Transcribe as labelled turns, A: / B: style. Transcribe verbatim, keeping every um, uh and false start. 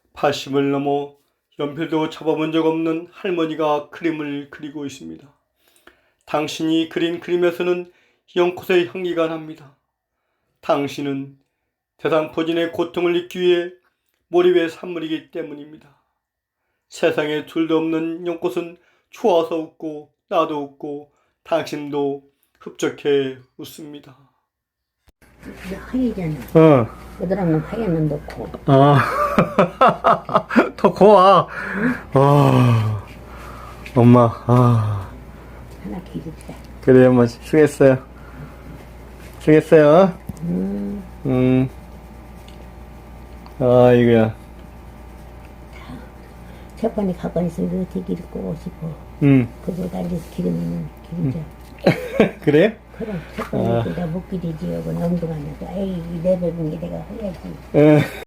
A: 팔십을 넘어 연필도 잡아본 적 없는 할머니가 그림을 그리고 있습니다. 당신이 그린 그림에서는 연꽃의 향기가 납니다. 당신은 대상포진의 고통을 잊기 위해 몰입의 산물이기 때문입니다. 세상에 둘도 없는 연꽃은 좋아서 웃고 나도 웃고 당신도 흡족해 웃습니다.
B: 하얘잖아.
A: 어.
B: 그들하면 하얘는 넣고.
A: 아. 더 고와. 아. 엄마. 아.
B: 하나 기르자.
A: 그래 엄마 수고했어요. 수고했어요.
B: 음.
A: 음. 아 이거야.
B: 첫번에 가만히 있으면 어떻게 기를 거고 싶어.
A: 음.
B: 그거 달리 기르면 기르자.
A: 그래?
B: 그럼 첫번에 내가 못 기르지. 하고 엉뚱하면서 에이 내 배분이 내가 해야지.
A: 에.